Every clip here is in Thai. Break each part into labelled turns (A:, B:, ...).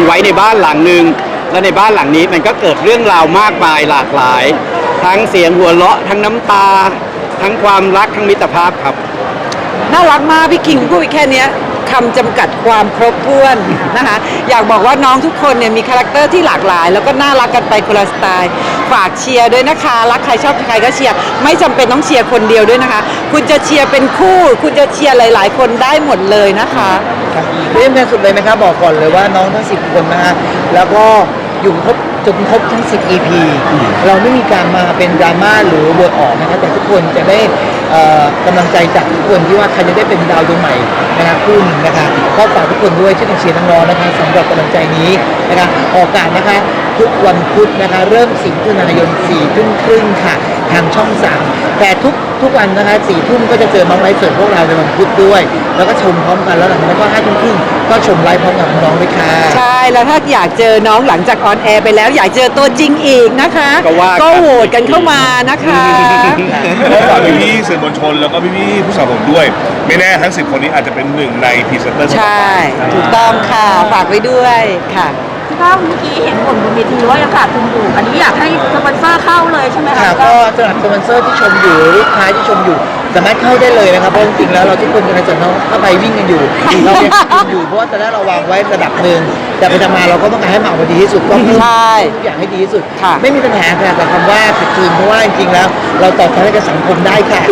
A: ว้ในบ้านหลังหนึ่งและในบ้านหลังนี้มันก็เกิดเรื่องราวมากมายหลากหลายทั้งเสียงหัวเราะทั้งน้ำตาทั้งความรักทั้งมิตรภาพครับ
B: น่ารักมากพี่คิงพูดไปแค่นี้คำจำกัดความครบถ้วนนะคะอยากบอกว่าน้องทุกคนเนี่ยมีคาแรคเตอร์ที่หลากหลายแล้วก็น่ารักกันไปคนละสไตล์ฝากเชียร์ด้วยนะคะรักใครชอบใครก็เชียร์ไม่จำเป็นต้องเชียร์คนเดียวด้วยนะคะคุณจะเชียร์เป็นคู่คุณจะเชียร์หลายๆคนได้หมดเลยนะคะ
C: เริ่มกันสุดเลยนะครับบอกก่อนเลยว่าน้องทั้ง10คนนะฮะแล้วก็อยู่ครบจนครบทั้ง10 EP เราไม่มีการมาเป็นดราม่าหรือเวิร์ดออกนะครับแต่ทุกคนจะได้กำลังใจจากทุกคนที่ว่าใครจะได้เป็นดาวดวงใหม่นะครับคู่หนึ่งนะคะก็ฝากทุกคนด้วยช่วยกันเชียร์น้องๆนะคะสำหรับกำลังใจนี้นะคะออกอากาศนะคะทุกวันพุธนะคะเริ่ม10 มิถุนายน 4 ทุ่มครึ่งค่ะทางช่อง 3แต่ทุกวันนะคะ4 ทุ่มก็จะเจอน้องไลฟ์สดพวกเราในวันพุธด้วยแล้วก็ชมพร้อมกันแล้วหลังจากนั้นก็5 ทุ่มครึ่งก็ชมไลฟ์พร้อมกับน้องด้วยค่ะ
B: ใช่แล้วถ้าอยากเจอน้องหลังจากออนแอร์ไปแล้วอยากเจอตัวจริงอีกนะคะก็โหวตกันเข้ามานะคะ
D: ก็ฝากพี่ๆสื่อมวลชนแล้วก็พี่ๆผู้สนับสนุนด้วยไม่แน่ทั้ง10 คนนี้อาจจะเป็นหนึ่งในพรีเซนเตอร์
B: ใช่ถูกต้องค่ะฝากไว้ด้วยค่ะ
E: ก็เมื่อกี้เห็นผลบนเวทีว่ายังขาดทุนอยู่อันนี้อยากให้สปอนเซอร์เข้าเลยใช่ไหมคะ
C: ก็สำหรับสปอนเซอร์ที่ชมอยู่ลูกค้าที่ชมอยู่สามารถเข้าได้เลยนะครับเพราะจริงๆแล้วเราทุกคนกำลังจะเข้าไปวิ่งกันอยู่เรายังวิ่งอยู่เพราะว่าตอนแรกเราวางไว้ระดับหนึ่งแต่ไปทำมาเราก็ต้องการให้มันออกมาดีที่สุดก็เพิ่มทุกอย่างให้ดีที่สุดไม่มีปัญหาค่ะแต่คำว่าขาดทุนเพราะว่าจริงๆแล้วเราตอบแทนให้กับสังคมได้ค่ะ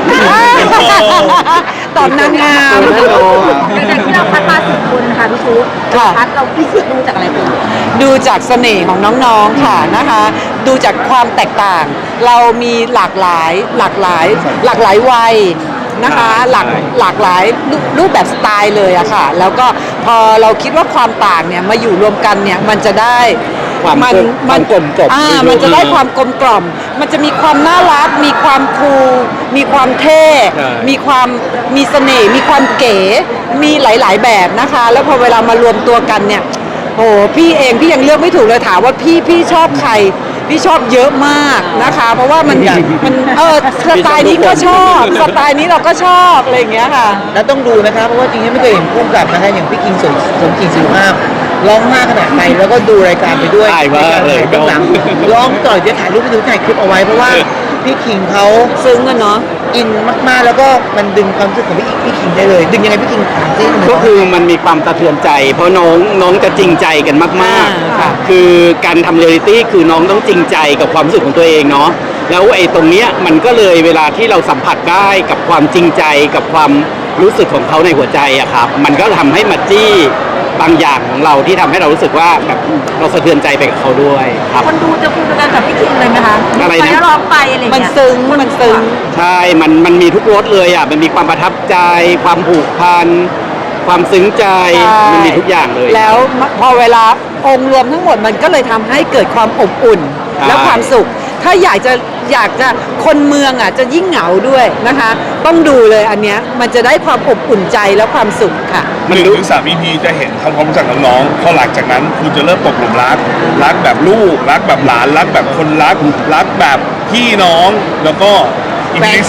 B: ตอบนางงาม
E: ในที่เราคัดมา10 คนค่ะพี่ชุกคัดเราพิสูจน์ดูจากอะไรบ้าง
B: ดูจากเสน่ห์ของน้องๆค่ะนะคะดูจากความแตกต่างเรามีหลากหลายวัยนะคะหลากหลายรูปแบบสไตล์เลยอะค่ะแล้วก็พอเราคิดว่าความต่างเนี่ยมาอยู่รวมกันเนี่ยมันจะได้
A: มันกลมกล่อม
B: มันจะได้ความกลมกล่อมมันจะมีความน่ารักมีความคูลมีความเท่มีเสน่ห์มีความเก๋มีหลายๆแบบนะคะแล้วพอเวลามารวมตัวกันเนี่ยโอ้พี่ยังเลือกไม่ถูกเลยถามว่าพี่ชอบใครพี่ชอบเยอะมากนะคะเพราะว่ามันสไตล์นี้ก็ชอบสไตล์นี้เราก็ชอบอะไรอย่างเงี้ยค่ะ
C: แล้วต้องดูนะคะเพราะว่าจริงๆไม่เคยเห็นคู่กับนะคะอย่างพี่คิงสมจริงศิลภาพร้องมากขนาดไหนแล้วก็ดูรายการไปด้วย
A: ถ่ายมาเลย
C: ก็หลังร้องต่อยจะถ่ายรูปไปดูถ่ายคลิปเอาไว้เพราะว่าพี่คิงเขา
B: ซึ้งกันเนาะ
C: อินมากๆแล้วก็มันดึงความรู้สึกของพี่คิงได้เลยดึงยังไงพี่คิงถามซิ
A: ก็คือมันมีความสะเทือนใจเพราะน้องจะจริงใจกันมากๆคือการทำเรียลลิตี้คือน้องต้องจริงใจกับความรู้สึกของตัวเองเนาะแล้วไอ้ตรงเนี้ยมันก็เลยเวลาที่เราสัมผัสได้กับความจริงใจกับความรู้สึกของเขาในหัวใจอะครับมันก็ทำให้มาจี้บางอย่างของเราที่ทำให้เรารู้สึกว่าแบบเราสะเทือนใจไปกับเขาด้วยครับ
E: คนดูจะพูดกันกับพี่คิงเลยไหมคะ
A: อะไรนะ
E: ร้องไปอะไรเงี้ย
B: มันซึ้ง
A: ใช่มันมีทุกรสเลยอ่ะมันมีความประทับใจความผูกพันความซึ้งใจมันมีทุกอย่างเลย
B: แล้วพอเวลาองค์รวมทั้งหมดมันก็เลยทำให้เกิดความอบอุ่นและความสุขถ้าอยากจะคนเมืองอ่ะจะยิ่งเหงาด้วยนะคะต้องดูเลยอันเนี้ยมันจะได้ความอบอุ่นใจและความสุขค่ะ
D: 1 ถึง 3 EP จะเห็นทำความรู้จักน้องๆพอหลังจากนั้นคุณจะเริ่มตกหลุมรักแบบลูกรักแบบหลานรักแบบคนรักแบบพี่น้องแล้วก็ EP ที่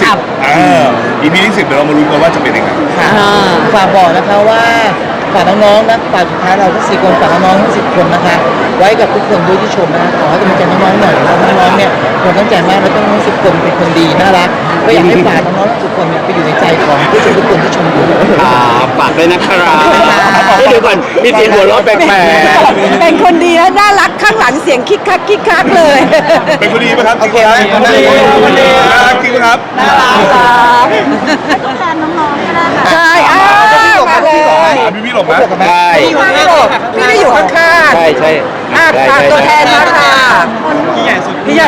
D: 10 EP ที่ 10เดี๋ยวเรามาลุ้นกันว่าจะเป็นยังไง
C: ฝากบอกนะคะว่าฝากน้องๆนะฝากสุดท้ายเราทั้ง4 คนฝากน้องๆทั้ง10 คนนะคะไว้กับทุกคนด้วยที่ชมนะขอให้กำลังใจน้องๆหน่อยแล้วน้องๆเนี่ยคนตั้งใจมากแล้วก็น้อง10 คนเป็นคนดีน่ารักก็อยากให้ฝากน้องๆทุกคนเนี่ยไปอยู่ในใจของผู้ชมทุกคนที่ชมอยู่
A: ฝากด้วยนะครับเดี๋ยวก่อนมีเสียงหัวเราะแปลก
B: ๆเป็นคนดีและน่ารักข้างหลังเสียงคิกคักเลย
D: เป็นคนดีไหมครับโอเคไหมน่ารักจริงไหมครับ
B: น่ารักครับ
E: ต้องแทนน้องๆก็ได้ค่ะ
B: ใช่มาเลย
D: พี่หลบไหม
A: ใช่
B: พี่ไม่อยู่ข้าง
A: ๆใช่
B: ฝากตัวแทนมาค่ะ
A: พี่ใหญ่สุดพี่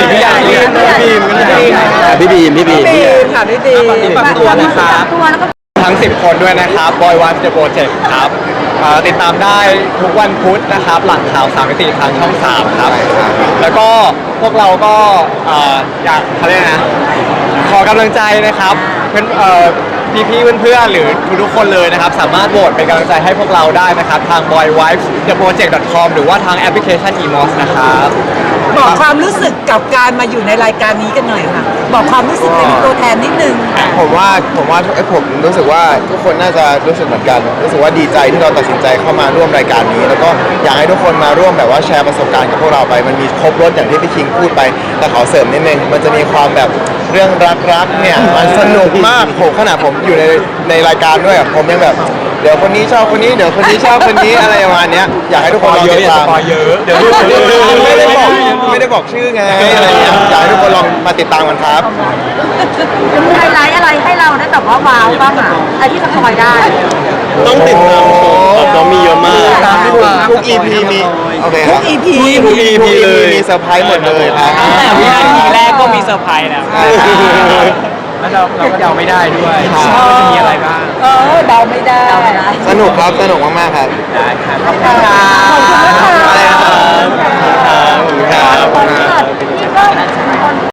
A: บีม
B: ค่ะพี่บีม
F: ฝากตัวนะครับทั้ง10 คนด้วยนะครับ Boy Wife The Project ครับติดตามได้ทุกวันพุธนะครับหลังข่าว3 มิติทางช่อง 3 ครับแล้วก็พวกเราก็อยากเขาเรียกนะขอกำลังใจนะครับพี่เพื่อนๆหรือทุกคนเลยนะครับสามารถโหวตเป็นกำลังใจให้พวกเราได้นะครับทาง boywifetheprodject.com หรือว่าทางแอปพลิเคชัน EMOS นะครับ
B: บอกความรู้สึกกับการมาอยู่ในรายการนี้กันหน่อยค่ะ บอกความรู้สึกเป็นตัวแทนนิดนึง
G: ผมว่าผมรู้สึกว่าทุกคนน่าจะรู้สึกเหมือนกันรู้สึกว่าดีใจที่เราตัดสินใจเข้ามาร่วมรายการนี้ แล้วก็อยากให้ทุกคนมาร่วมแบบว่าแชร์ประสบการณ์กับพวกเราไปมันมีครบรถอย่างที่พี่คิงพูดไปแต่ขอเสริมนิดนึงมันจะมีความแบบเรื่องรักเนี่ยมันสนุกมากผมขนาดผมอยู่ในรายการด้วยอะผมยังแบบเดี๋ยวคนนี้ชอบคนนี้เดี๋ยวคนนี้ชอบคนนี้อะไรประมาณเนี้ยอยากให้ทุกคนลองติดตาม
F: เยอะเดี๋ยว
G: ไม่ได้บอกชื่อไงอะไรเงี้ยอยากให้ทุกคนลองมาติดตามกันครับ
E: จะมีไฮไลท์อะไรให้เราได้แบบว่าว้าวบ้างอ่ะไอที่สปอยได้
A: ต้องติดตามชมครับน้องมีเยอะมาก
G: ทุก EP มีโอเคครับ
B: EP
A: ทุก EP เลย
G: มีเซอร์ไพรส์หมดเลยครับ
F: แต่วินาทีแรกก็มีเซอร์ไพรส์แล้วแล้วเราก็เดาไม่ได้ด้วยว่าจะมีอะไรบ้าง
B: เดาไม่ได้
G: สนุกครับ สนุกมาก ๆ ครับ
F: ได้ครับ
B: ขอบคุณค่ะ
G: อะไรนะครับ
E: ขอบคุณค่ะ